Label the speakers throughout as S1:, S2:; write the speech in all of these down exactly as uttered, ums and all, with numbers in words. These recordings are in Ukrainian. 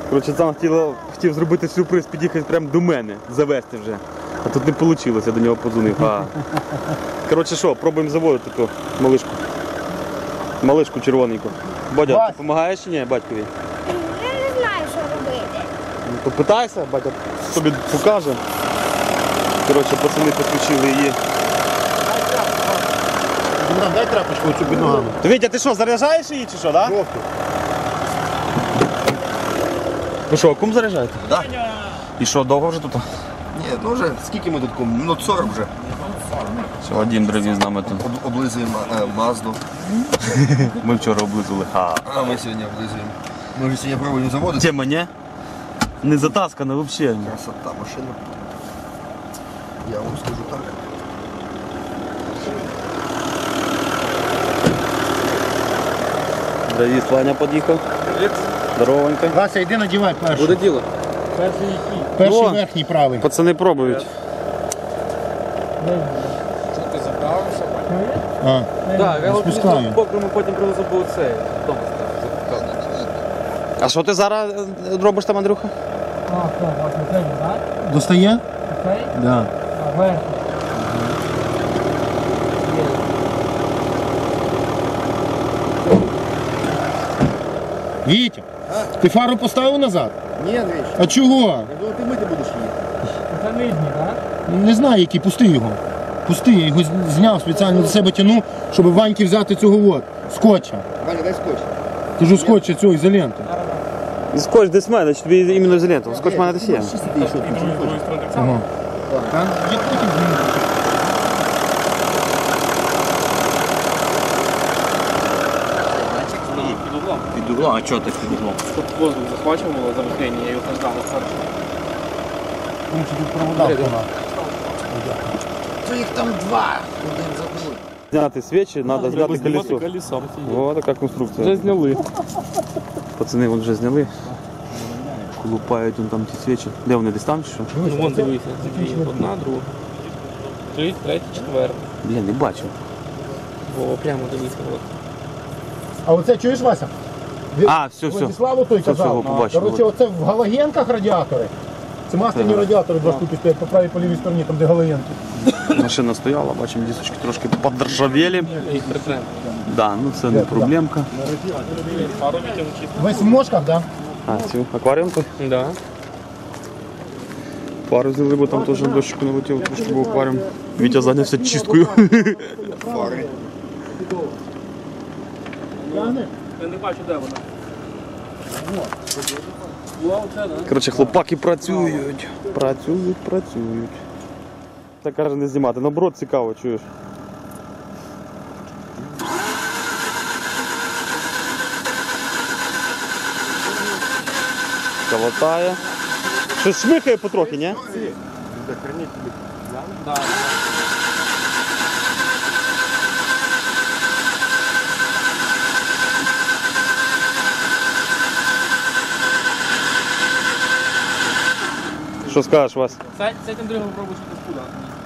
S1: Коротше, сам хотів, хотів зробити сюрприз, під'їхати прямо до мене, завести вже. А тут не вийшло, я до нього подзвонив. А. Коротше що, пробуємо заводити ту малишку. Малишку червоненьку. Бодя, ти допомагаєш чи ні батькові?
S2: Я не знаю, що робити.
S1: Ну, то питайся, батя тобі покаже. Коротше, пацани підключили її.
S3: Дай трапочку оцю під ногами.
S1: То Вітя, ти що, заряджаєш її чи що, так? Да? Ви що, кум заряджаєте?
S3: Так.
S1: І що, довго вже тут?
S3: Ні, ну вже, скільки ми тут кому? Минут сорок вже.
S1: Все, Вадим привіз з нами тут.
S3: Об- Облизуємо е, Мазду.
S1: Ми вчора облизували. Ха.
S3: А ми сьогодні облизуємо. Ми вже сьогодні пробуємо заводити.
S1: Тема, не? Не затаскана взагалі.
S3: Красота машина. Я вам скажу так.
S1: Давид, Ваня під'їхав. Здоровенько.
S3: Вася, йди надівай перший.
S1: Буде діло.
S3: Перший
S1: О.
S3: верхній правий.
S1: Пацани пробують.
S4: Що ти заправився?
S3: А,
S4: Так, я його
S3: спускаю.
S4: покрому потім привезу по цей. Вдома став.
S1: А що ти зараз е, робиш там, Андрюха?
S5: А, так, власне, це, так?
S3: Достає?
S5: Цей?
S3: Да.
S5: А, верх.
S3: Вітя, ти фару поставив назад?
S4: Ні, Андрій,
S3: А чого?
S4: я думав, ти мити будеш її.
S5: Це нижній, так?
S3: Не знаю, який, пусти його. Пусти, я його зняв, спеціально до себе тяну, щоб Ваньки взяти цього от, скотча.
S4: Ваня, дай скотч.
S3: Кажу, скотча цього ізоленти.
S1: Скотч десь мене, значить тобі іменно ізоленту. Скотч мене десь є.
S3: Ага. Та, я потім зніму.
S4: Під углом.
S1: Під углом, а чого ти під углом?
S4: Тут воздух захвачувало завихлення, я його ждав.
S3: Ну, тут провода вона. То їх там два. Один забув.
S1: Зняти свічі, треба зняти колесо.
S4: колесо.
S1: О, така конструкція.
S4: Вже зняли.
S1: Пацани вон вже зняли. Колупають вон там ті свічі. Де вони, десь там чи що?
S4: Ну, вон дивися. Одна, друга. Три, третя, четверта.
S1: Блін, не бачу.
S4: О, прямо дивися. От.
S3: А оце чуєш, Вася?
S1: А, все, все.
S3: Владиславу той
S1: Все, все,
S3: казав.
S1: побачив.
S3: Коротше, оце в галогенках радіатори. Це масляні радіатори, два штуки стоять по правій, по лівій стороні, там де галогенки.
S1: Машина стояла, бачимо, дісочки трошки подоржавели.
S4: Їх притрем.
S1: Да, ну це не проблемка.
S4: Пару відтягнути.
S3: Весь в мошках, так?
S1: А, цю акваріум тут?
S4: Да.
S1: Пару взяли, бо там теж дощику налетіло, трошки був акваріум. Вітя зайнявся чисткою.
S3: Фари.
S4: Я не бачу, де вона. О, оце, да?
S1: Коротше, хлопаки працюють. Працюють, працюють. Це каже не знімати, наоборот цікаво, чуєш. Каватає. Щось шмихає потрохи, ні?
S4: Да.
S1: Що скажеш, Вась?
S4: Це, це тим другим пробуєш якось куди.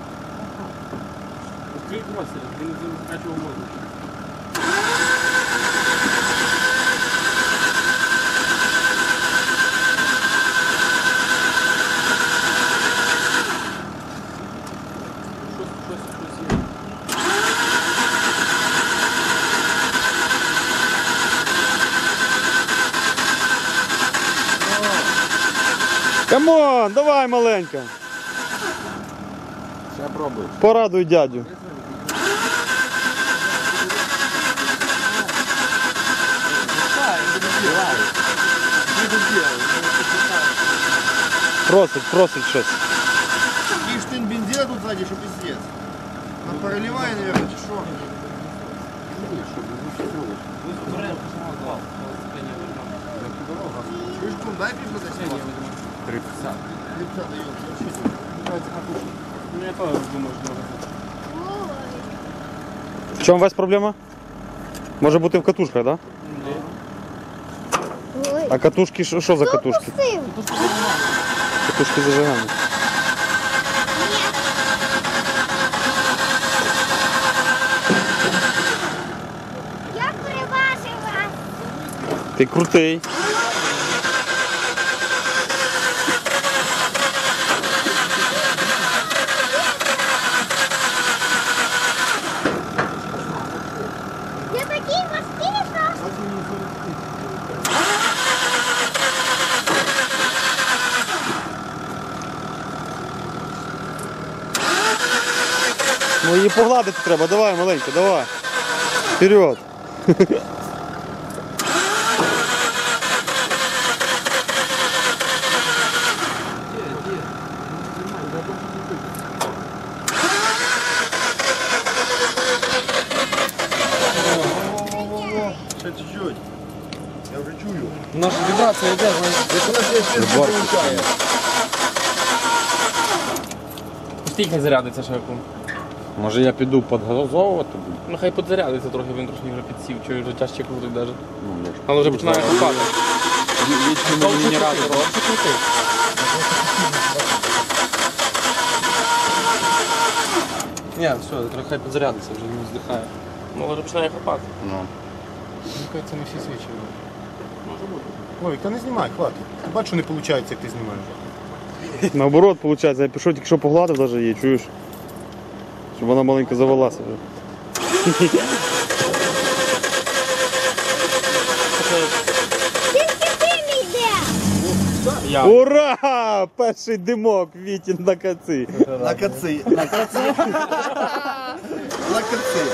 S4: Відкрий простір, він не закачував воздух. Щось, щось, щось є.
S1: Камон, давай, маленька.
S3: Ще пробую.
S1: Порадуй дядю. Просить, просить щось.
S3: Такий штин бензина тут ззаді, що пиздец. Нам переливає, наверное, чи що? Чуєш, кум, дай півдесят.
S4: три п'ятдесят.
S3: тридцять дає.
S4: Ну, я теж думаю, що може.
S1: В чому у вас проблема? Може бути в катушках, так? Да?
S2: Ой.
S1: А катушки, що що за катушки?
S2: Пустив.
S1: Катушки зажигання.
S2: Я переважив вас.
S1: Ти крутий. Ну її погладити треба, давай, маленька, давай. Вперед.
S3: Ще чуть-чуть. Я вже чую.
S4: У нас вібрація йде, стільки хай зарядиться ще яку.
S6: Може я піду підгазовувати буду?
S4: Ну хай підзарядиться трохи, він трошки вже підсів, чую, вже тяжче крутить навіть.
S6: Ну, я ж
S4: Але вже починає хапати.
S6: вічному генератору.
S4: Ні, все, трохи хай підзарядиться, вже не здихає. Ну, але вже починає хапати.
S6: Ну.
S3: Мені кажеться, не всі свічі. Ой, та не знімай, хватить. Бачу, що не виходить, як ти знімаєш.
S1: Наоборот, виходить, я пішов, тільки що погладив навіть її, чуєш? Щоб вона маленько завелася вже.
S2: Тільки ти не йде.
S4: Я.
S1: Ура! Перший димок Вітін на каці.
S3: На каці. На каці. На каці.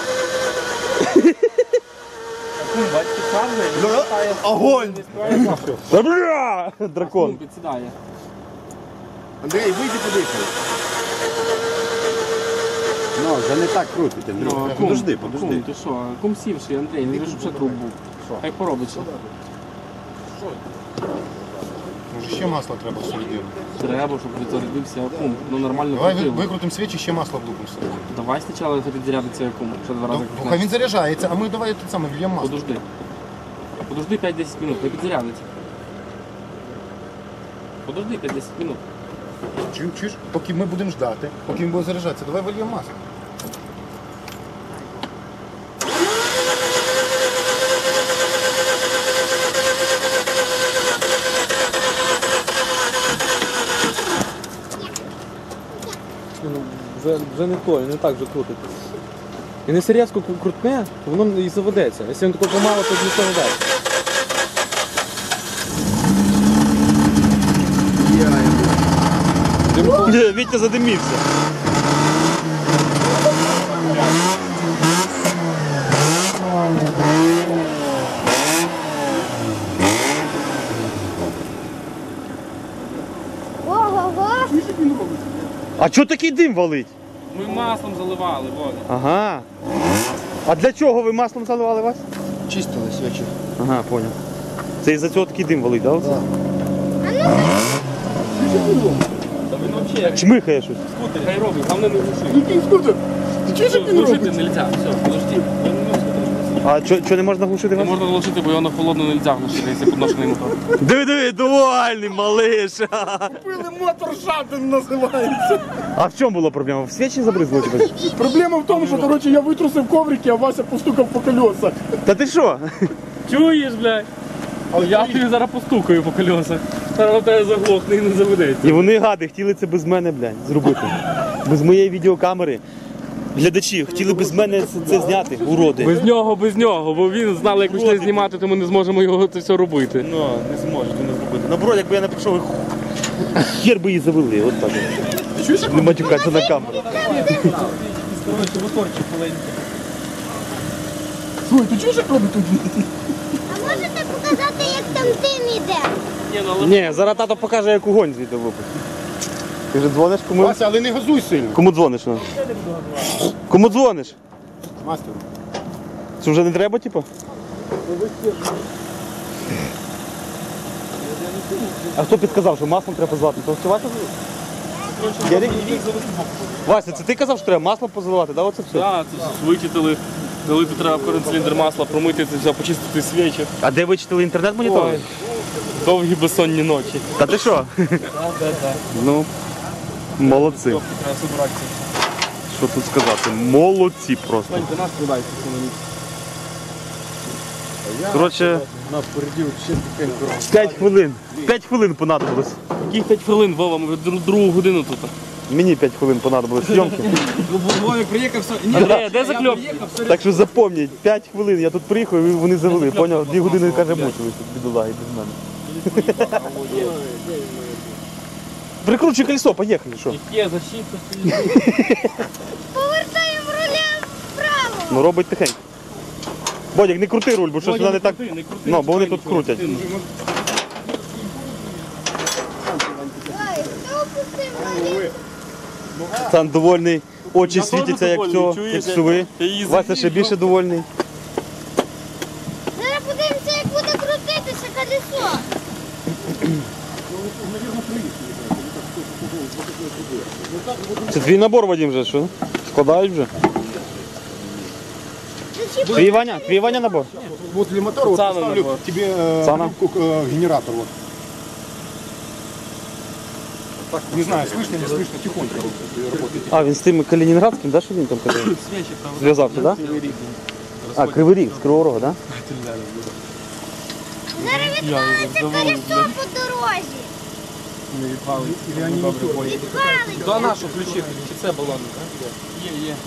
S4: Бачите, сам же,
S3: Огонь!
S1: Та бля! Дракон.
S4: підсідає.
S3: Андрій, вийди подихай.
S6: Ну, вже не так крутить, Андрюха.
S4: Ну,
S6: Подожди,
S4: кум,
S6: подожди.
S4: Кум, ти що? Кум сівший, Андрій, не вижу, що труп був. Хай поробиться.
S3: Може ще масло треба всередину.
S4: Треба, щоб відзарядився кум. Ну нормально
S3: Давай ви-
S4: крутив.
S3: викрутимо свічі, ще масло влупимо всередину.
S4: Давай спочатку хай підзарядиться кум. Ще два рази
S3: Ну, Хай
S4: крутне.
S3: він заряджається, а ми давай тут саме влємо масло.
S4: Подожди. Подожди п'ять-десять минут, хай підзарядиться. Подожди п'ять-десять минут.
S3: Чуєш, чуєш? Поки ми будемо ждати, поки він буде заряджатися, давай вильємо масло.
S5: Вже, вже не той, не так вже крутить. І не різко крутне, то воно і заведеться. Якщо він тако помало, то нічого не дасть.
S1: Вітя задимівся.
S2: Ого-го.
S1: А чого такий дим валить?
S4: Ми маслом заливали, Володя.
S1: Ага. А для чого ви маслом заливали вас?
S3: Чистили свічі.
S1: Ага, понял. Це із-за цього такий дим валить, так? Да?
S4: Та він взагалі як
S1: Чмихає щось.
S4: скутер, хай робить, головне не глуши.
S3: Який скутер? Ти чуєш, як він
S4: Глушити
S3: робить?
S4: не можна, все, подожди. Він не скутер.
S1: А чого не можна глушити
S4: Не
S1: вас?
S4: можна глушити, бо його на холодно не можна глушити, якщо підношений мотор.
S1: Диви, диви, довольний, малиш.
S3: Купили мотор шатен називається.
S1: А в чому була проблема? В свічі забризло тебе?
S3: Проблема в тому, що коротше, я витрусив коврики, а Вася постукав по колесах.
S1: Та ти що?
S4: Чуєш, блядь? Я тобі зараз постукаю по колесах. Зараз на тебе заглохне і не заведеться.
S1: І вони гади хотіли це без мене, блядь, зробити. Без моєї відеокамери. Глядачі хотіли без мене це, це зняти, уроди.
S4: Без нього, без нього, бо він знали, як почали знімати, то ми не зможемо його це все робити.
S1: Ну, не зможете не зробити. Наоборот, якби я не прийшов, хер би її завели, от так. Не матюкатися на камеру.
S3: Слухай, ти чуєш, як робить тут?
S2: А можете показати, як там дим іде?
S1: Ні, зараз тато покаже, як огонь звідти випустить. Ти вже дзвониш кому?
S3: Вася, але не газуй сильно.
S1: Кому дзвониш? Ну? Кому дзвониш?
S3: Мастер.
S1: Це вже не треба, типу? А хто підказав, що маслом треба заливати? То все Вася? Ярик? Вася, це ти казав, що треба маслом позаливати, да? Оце все?
S4: Так, це все вичитали, дали тут треба в кожен циліндр масла, промити це все, почистити свічі.
S1: А де ви читали інтернет-монітор?
S4: Ой, довгі безсонні ночі.
S1: Та ти що? Ну, молодці.
S4: Треба собиратися.
S1: Що тут сказати? Молодці просто.
S4: Вань, ти нас продай це на ніч.
S1: Коротше, п'ять хвилин. п'ять хвилин понадобилось.
S4: Яких п'ять хвилин, Вова, ми вже дру- другу годину тут.
S1: Мені п'ять хвилин понадобилось зйомки.
S4: Вовик приїхав, все. Андрій, де закльопки?
S1: Так що запам'ять, п'ять хвилин. Я тут приїхав і вони завели. Поняв? Дві години, каже, мучились тут бідолаги без мене. Прикручуй колесо, поїхали, що?
S4: Є защита.
S2: Повертай.
S1: Ну робить тихенько. Бодік, не крути руль, бо щось
S4: Бодя,
S1: вона
S4: не
S1: не так.
S4: крути, не крути,
S1: Ну, бо вони
S4: чекай,
S1: тут
S4: нічого,
S1: крутять.
S4: сильно.
S2: Ой, хто опустив малинку?
S1: Сам довольний, очі
S4: Я
S1: світяться,
S4: теж
S1: як
S4: довольний,
S1: цього,
S4: чуєш,
S1: як
S4: я-
S1: сови.
S4: я її
S1: Вася ще
S4: завів,
S1: більше
S4: ну.
S1: довольний.
S2: Зараз подивимося, як буде крутитися колесо.
S1: Це твій набор, Вадим, вже що? Складають вже?
S2: Зачіпай.
S1: Твій Ваня, твій Ваня набор.
S3: Вот для мотора вот
S4: Цана
S3: поставлю
S4: набор.
S3: тебе э,
S1: Цана?
S3: трубку, э, генератор вот. Так, не знаю, слышно, не слышно, тихонько работает.
S1: А, він з тим Калінінградським, да, що він там казав? Зв'язався, так? Да? А, Кривий Ріг, з Кривого Рога, так? Да?
S2: Зараз відвалиться колесо по дорозі. Відвалиться.
S5: То нашу ключі, чи це балон? Є, є.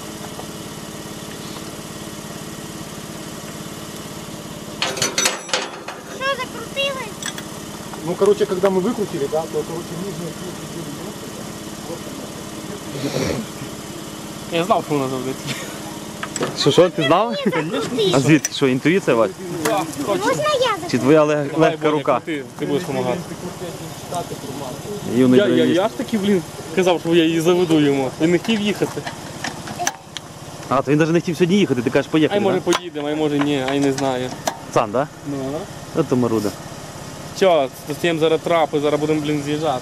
S2: Що, закрутилось?
S3: Ну, короче, когда мы выкрутили, да, то, короче, нижняя
S4: Я знав, що вона заведеться.
S1: Що, що, ти знав? А звідки? Що, інтуїція, Вась?
S2: Можна я
S1: Чи твоя лег- легка рука?
S4: Ти, ти будеш допомагати.
S1: Юний
S4: Я, я,
S1: броневик.
S4: я ж таки, блін, казав, що я її заведу йому. Він не хотів їхати.
S1: А, то він навіть не хотів сьогодні їхати, ти кажеш,
S4: Ай,
S1: поїхали,
S4: може
S1: да?
S4: поїдемо, ай, може ні, ай не знаю.
S1: Сам, да?
S4: Ну,
S1: Ото маруда.
S4: що, з зараз трапи, зараз будемо, блін, з'їжджати.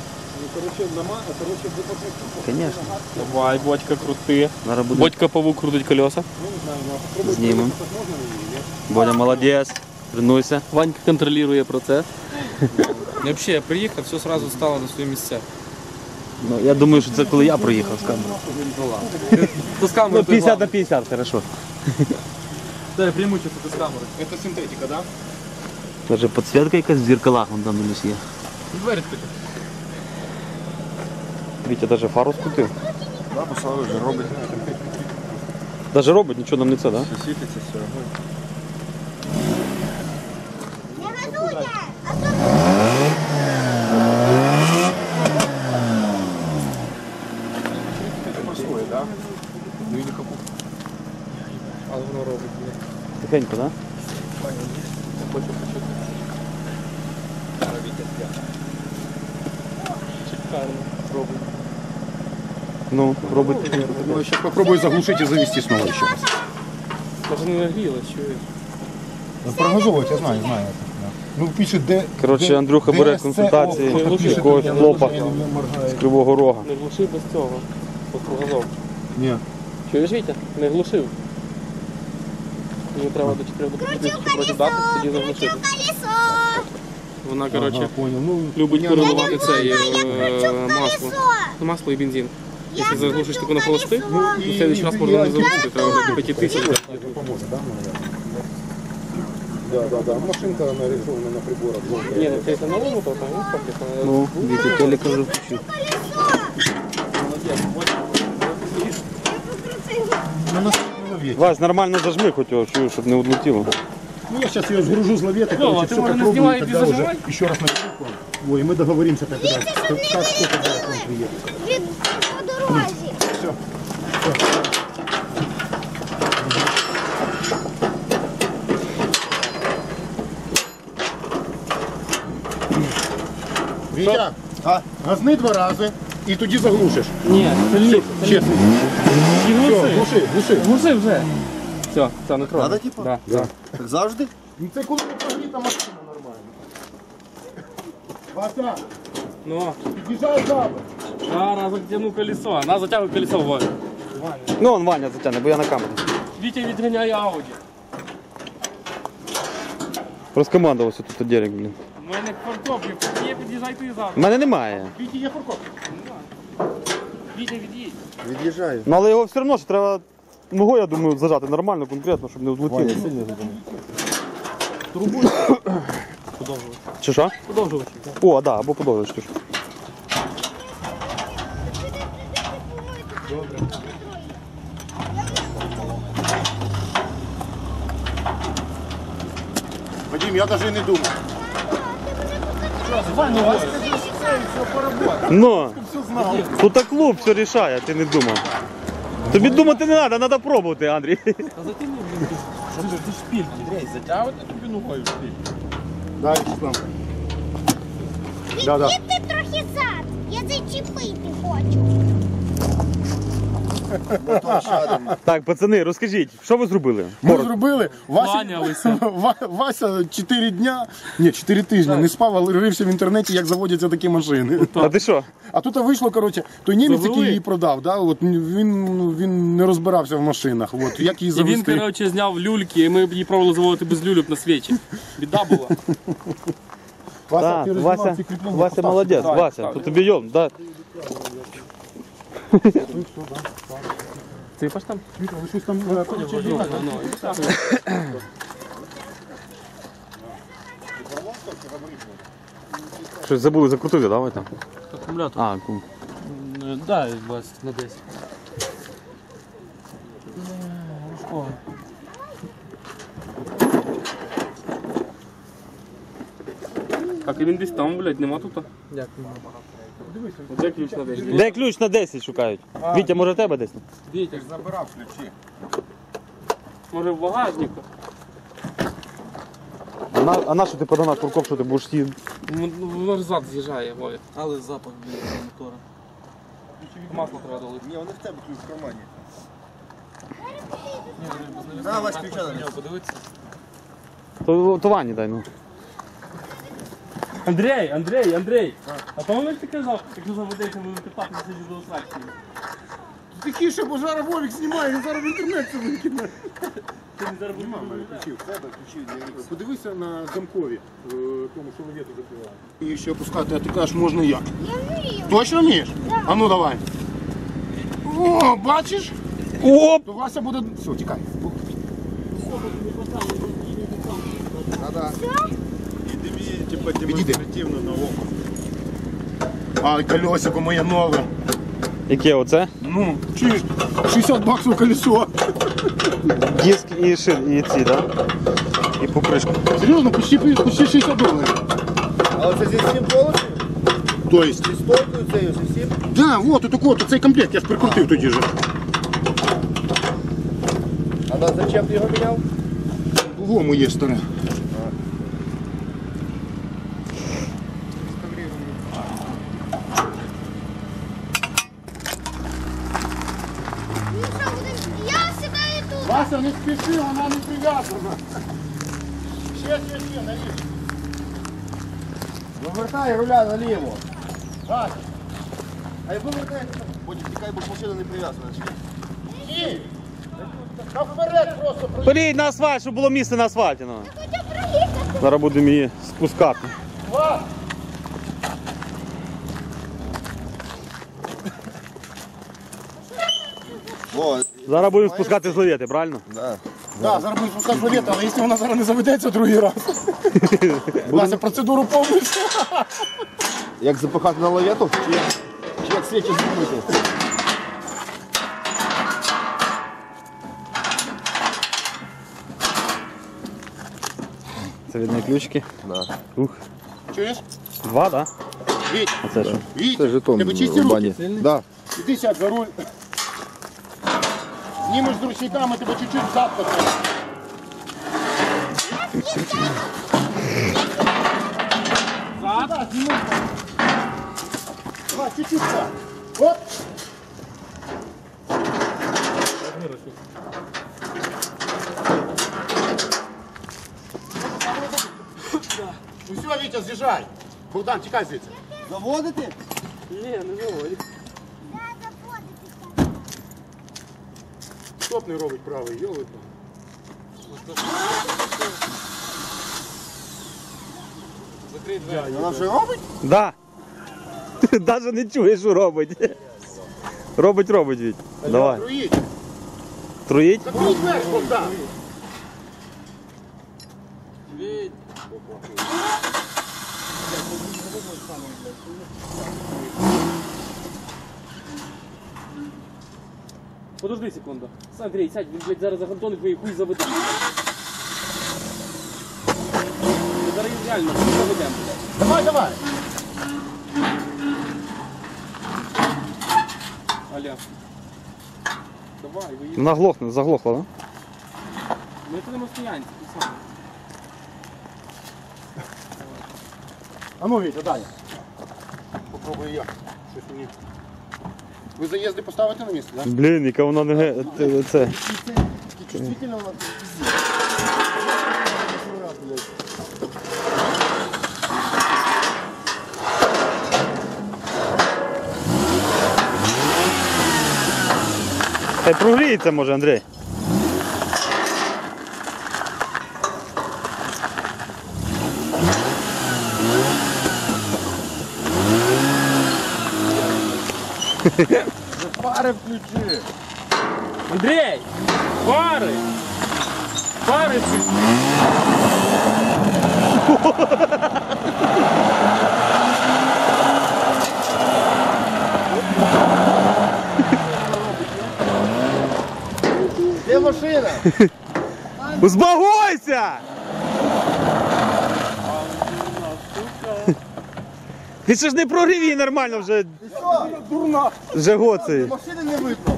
S1: Звісно.
S4: Давай, Бодька, крути.
S1: Зараз буде
S4: Бодька павук крутить колеса.
S1: знімемо. Бодя, молодець. Тренуйся.
S4: Ванька контролює процес.
S5: Взагалі, я приїхав, все одразу стало на свої місця.
S1: Ну, я думаю, що це коли я проїхав з камерою.
S5: То з
S1: Ну,
S5: камери
S1: п'ятдесят на п'ятдесят, хорошо.
S5: Це преимущество з камери.
S3: Это синтетика, да?
S1: Даже підсвітка якась в зеркалах, вон там десь є.
S5: Двері такі.
S1: Вітя даже фару скрутив.
S6: Да, послали вже робить.
S1: Даже робить, нічого нам не це, да?
S6: Світиться все.
S2: Не газуйте, а то
S3: Простое, да? Ну или как
S5: Але воно робить. блін.
S1: Тихенько, да?
S4: Шикарно. Робить.
S1: Ну, робить тихенько.
S3: Ну, я сейчас попробую заглушить и завести снова еще раз.
S4: Даже не нагрілась, чуєш.
S3: Ну, прогазовывать, я знаю, знаю это. Да. Ну, пишет Д...
S1: Коротше,
S3: Д-
S1: Андрюха бере
S3: ДСЦО,
S1: консультації
S3: кто-то пишет,
S1: якогось
S3: я
S1: хлопа
S3: не моргаю.
S1: з Кривого Рога.
S4: Не глушив без цього. Покругазов.
S3: Нет.
S4: Чуєш, Вітя? Не глушив. Мені треба до чотирьох
S2: крутив
S4: проти
S2: колесо,
S4: дати, тоді заглушити.
S2: крутив колесо.
S4: Вона,
S3: Ага,
S4: коротше,
S3: понял. Ну,
S4: любить
S3: понятно.
S4: переливати це
S2: Я
S4: е,
S2: кручу
S4: масло.
S2: колесо.
S4: Ну, масло і бензин.
S2: Я
S4: Якщо заглушиш
S2: кручу
S4: таку на холостих,
S2: колесо.
S4: то в следующий раз можна не заглушити, треба вже до п'яти тисяч.
S3: Это поможет, да, наверное? Да, да, да. Машинка нарисована на приборах.
S4: Ні, ну це на новому, то там він фактично.
S1: Ну, Вітя телека вже включив.
S3: Ну, на лавете.
S1: Вась, нормально зажми хоч його, чую, щоб не відлетіло.
S3: Ну, я сейчас ее сгружу с лаветы,
S4: Лёва,
S3: короче,
S4: ты,
S3: все
S4: может, не
S3: попробую,
S4: снимай,
S3: тогда
S4: ты
S3: уже
S4: зажимай?
S3: еще раз на телефон. Ой, и мы договоримся тогда, как, как, что, когда он приедет.
S2: Від по дорозі.
S3: Все. Вітя, а? газни два рази і тоді заглушиш.
S4: Ні, сильніше.
S3: Чесно.
S4: І
S3: Все,
S4: глуши.
S3: глуши, глуши.
S4: Глуши вже. Все, це не трогай.
S6: Надо, типу?
S4: Да.
S3: Да.
S6: Так завжди?
S3: Ну це коли не прогріта машина нормально. Вася,
S4: Ну,
S3: під'їжджай запад.
S4: зараз затягну колесо. На, затягуй колесо, Ваня.
S1: Ну, он Ваня затягне, бо я на камері.
S4: Вітя відганяє Ауді.
S1: Розкомандувався тут Дерек, блін.
S4: У мене фаркоп, є, під'їжджай ти зараз.
S1: У мене немає.
S3: Вітя, є фаркоп.
S4: Вітя, від'їдь.
S6: Від'їжджаю.
S1: Ну, але його все одно ж треба ногою, я думаю, зажати нормально, конкретно, щоб не відлетіло.
S4: Подовжувач.
S1: Чи що?
S4: Подовжувач.
S1: О, да, або подовжиш. ти ж.
S3: Вадим, я навіть не думав.
S1: Ну, тут клуб все рішає, ти не думав. Тобі думати не треба, треба пробувати, Андрій.
S5: Та затягни, блін, ти ж- що ти ж ти ж шпильки. Андрій, затягувати тобі ногою шпильки.
S3: Далі, Руслан. Да, да.
S2: Відкидьте трохи зад. Я зачепити хочу.
S1: Так, пацани, розкажіть, що ви зробили?
S3: Ми зробили. Вася,
S4: Кланялися.
S3: Ва- Вася чотири дня, ні, чотири тижні не спав, але рився в інтернеті, як заводяться такі машини.
S1: А ти що?
S3: А тут вийшло, коротше, той німець,
S4: Завели.
S3: який її продав, да, от, він, він не розбирався в машинах. От, як її
S4: І він,
S3: завести.
S4: коротше, зняв люльки, і ми її пробували заводити без люльок на свічі. Біда була.
S3: Вася,
S1: Так,
S3: ти розібрав
S1: Вася,
S3: ці кріплення,
S1: Вася
S3: постав
S1: молодець,
S3: сюди.
S1: Вася, то тобі йом, да.
S4: Ципаш там?
S3: Вітя, ви щось там, е, коротше,
S4: Ну,
S3: їхали.
S4: ну, і так.
S1: Щось забули закрутити, да, ви там?
S4: Акумулятор.
S1: А, ку-
S4: Дай, Вась, на десять. Так, і він десь там, блядь, нема тут.
S5: Дякую.
S4: Де ключ на десять?
S1: Де ключ на десять шукають? Вітя, може тебе десь?
S4: Вітя,
S6: Забирав ключі.
S4: може в багажнику?
S1: А на, а на що ти подана курков, що ти будеш її?
S4: Ну, воно ж зад з'їжджає, Вові.
S5: Але запах біля мотора.
S4: Масло треба долити.
S6: Ні, вони в тебе ключ в кармані. На, Вась, ключа на нього.
S5: Подивитися.
S1: То, то Вані дай, ну.
S4: Андрій, Андрій, Андрій! А то як ти казав, якщо заведеться, ми катати сидіти до осадки.
S3: Тихіше, бо зараз Вовік знімає, він зараз в інтернет це викине.
S4: Ти не зараз будеш
S3: Ключів, в тебе ключів для них. Подивися на замкові, в тому, що лавету закриває. І ще опускати, а ти кажеш, можна як?
S2: Я вмію.
S3: Точно вмієш? А ну давай. О, бачиш?
S1: Оп!
S3: То Вася буде... Все, тікай.
S6: Типа
S3: Підійди.
S6: демонстративно на око.
S3: Ай, колесико моє нове.
S1: Яке оце?
S3: Ну, чуєш, шістдесят баксів колесо.
S1: Диск і шин, і ці, да? І покришка.
S3: Серйозно, почти, почти шістдесят доларів.
S6: Але це зі всім полосом?
S3: То есть?
S6: Зі стойкою цією, зі всім?
S3: Да, вот, отак от, цей комплект, я ж прикрутив тоді же.
S6: А на зачем ти його міняв?
S3: Во моє старе.
S2: Ну що, будемо? Я сідаю тут.
S3: Вася, не спіши, вона не прив'язана. Ще, ще, ще, наліво.
S6: Завертай руля наліво.
S3: Вася,
S6: А як вивертаєте, потім тікай, бо машина не прив'язана.
S3: ні. Та вперед просто.
S1: Полій на асфальт, щоб було місце на асфальті. Ну.
S2: Хочу проїхати.
S1: Зараз будемо її спускати.
S3: Вас.
S6: О,
S1: Зараз будемо спускати з лавети, правильно?
S6: да.
S3: Да, зараз будемо спускати валет, але якщо вона зараз не заведеться другий раз. Вася, процедуру повністю.
S6: Як запихати на лавету? Чи як, чи як свічі зробити?
S1: Це видно ключики.
S6: Да.
S1: Ух.
S3: Чуєш?
S1: Два, так?
S3: Віть,
S1: Да? А це що?
S3: Віть,
S6: Це жетон
S3: тебе чисті
S6: в
S3: руки?
S6: бані. Да.
S3: Іди сядь за руль. Знімеш з ручниками, тебе чуть-чуть зад потрібно. Зад? Зніми. Давай, чуть-чуть зад. Оп. Ну все, Вітя, з'їжджай. Богдан, тікай звідси.
S6: Заводити?
S4: Ні, не заводить.
S3: Стоп не робить правий, йоли.
S5: Закрий двері.
S6: Вона вже робить?
S1: Да. Навіть не чуєш, що робить. Робить, робить, Віть. Давай.
S3: Труїть.
S1: Труїть?
S3: Закрий двері, Богдан.
S5: Віть.
S4: Подожди секунду. Андрій, сядь, він, блядь, зараз загантонить твої хуй заведе. Ми зараз їх реально заведемо.
S3: Давай, давай.
S4: Аля. Давай, виїзд.
S1: Вона глохне, заглохла, да?
S4: Ми тут на стоянці, тут саме.
S3: А ну, Вітя, далі. Попробую я. Щось мені. Ви заїзди поставите на місце, так?
S1: Блін, яка вона не ге- те- це.
S3: Такі чувствительно вона.
S1: Хай прогріється може, Андрій.
S3: Пари включи.
S4: Андрій! Пари! Пари включи!
S3: Де машина?
S1: Узбагойся! Ти ще ж не прогрів її нормально вже.
S3: Дурна.
S1: Вже гоцеє.
S3: Машини не видно.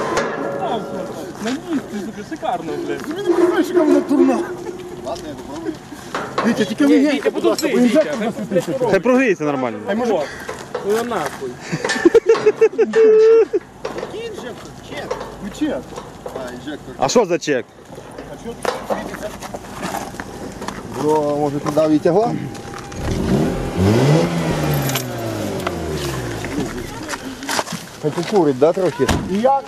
S4: На місці, сука, шикарно, блядь.
S3: Ти не розумієш, яка вона дурна. Ладно, я попробую. Вітя, тільки
S4: Ні,
S3: легенько,
S4: Вітя,
S3: будь ласка,
S4: подожди,
S3: бо
S4: Вітя,
S3: інжектор
S4: хай
S3: засвітився.
S4: блядь,
S1: Хай прогріється нормально.
S3: Ай, може,
S4: Ну я нахуй.
S3: який інжектор? Чек. Ну, чек.
S6: А, інжектор.
S1: А що за чек?
S3: А що тут світиться?
S6: Бро, може туди відтягла? Хай покурить, да, трохи?
S3: І як?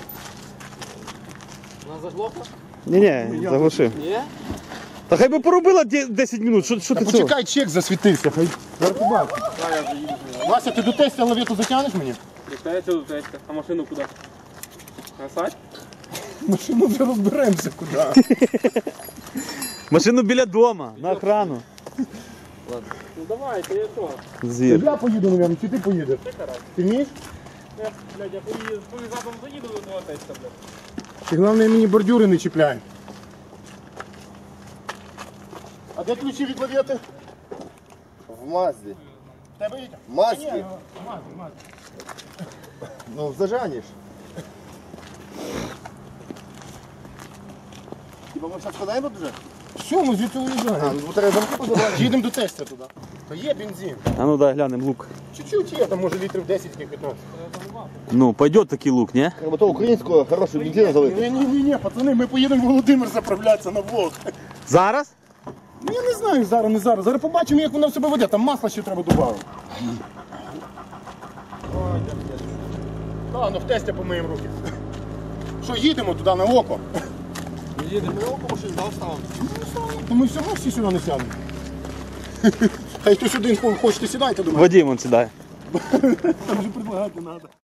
S5: Вона заглохла?
S1: Ні-ні, заглушив.
S5: Ні?
S1: Та хай би поробила де- десять минут, що, що
S3: Та
S1: ти цього?
S3: почекай, чек засвітився. Хай. Зараз побачиш. Вася, ти до тестя лавету затягнеш мені?
S4: Дихається до тестя. А машину куди? Насать?
S3: Машину вже розберемося куди.
S1: Машину біля дома, на охрану.
S4: Ну давайте, я що?
S1: Звір.
S3: Я поїду, мабуть, чи ти поїдеш? Ти вмієш?
S4: Я, блядь, я поїду, задом заїду до того тестя, блядь.
S3: Ти головне мені бордюри не чіпляй. А де ключі від лавети?
S6: В Мазді.
S3: В тебе є?
S6: В Мазді.
S3: Мазі, мазі.
S6: Ну, в зажані ж. Хіба ми зараз складаємо вже?
S3: Все, ми звідси
S6: А,
S3: уїжджаємо.
S6: ну треба замки позабрати.
S3: Їдемо до тестя туди. Та є бензин.
S1: А ну дай глянемо лук.
S3: Чуть-чуть є, там може літрів десять-п'ятнадцять.
S1: Ну, пойдет такий лук, ні?
S6: Треба то українського хорошого бензину залити.
S3: Ні, ні, ні, ні, пацани, ми поїдемо в Володимир заправлятися на влог.
S1: Зараз?
S3: Ну я не знаю, зараз, не зараз. Зараз побачимо, як воно себе веде. Там масло ще треба додати. Так, ну в тестя помиємо руки. Що, їдемо туди на око?
S6: Їдемо на око, машин здав ставимо.
S3: То ми все одно всі сюди не сядемо. Хай хтось один хочете сідайте, думаю.
S1: Вадим, он сідає.
S3: Там вже предлагати треба.